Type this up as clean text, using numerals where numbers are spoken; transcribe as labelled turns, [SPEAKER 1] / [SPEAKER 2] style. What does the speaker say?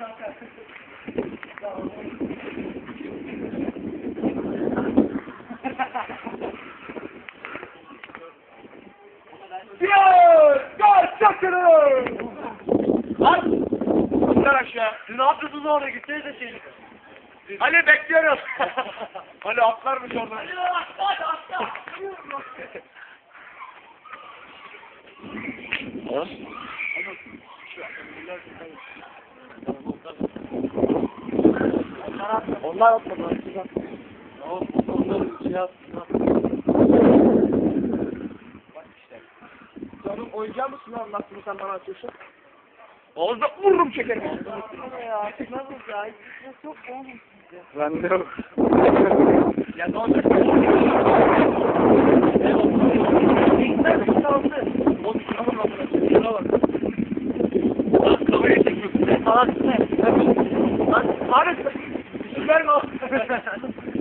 [SPEAKER 1] Gol! Çakırın! Lan! Sen aşağı. Siz ne yapıyorsunuz orada? Gitsenize şeyini. Ali bekliyoruz. Ali atlarmış oradan. Ali atla. Onlar atmadılar. Onlar şey yaptılar. Bak işte. Canım oyuncak mısın lan? Nasıl sen bana atıyorsun? Ağızda vururum çekerim.
[SPEAKER 2] Ya nasıl ya? Çok olmuş size.
[SPEAKER 1] Ben de yok. Ya ne olacak?
[SPEAKER 2] İlkten kaldı.
[SPEAKER 1] O şuna bak. Şuna bak. Lan kamerayı çekiyorsun.
[SPEAKER 2] Salak ne?
[SPEAKER 1] Lan Arif. Süper mi?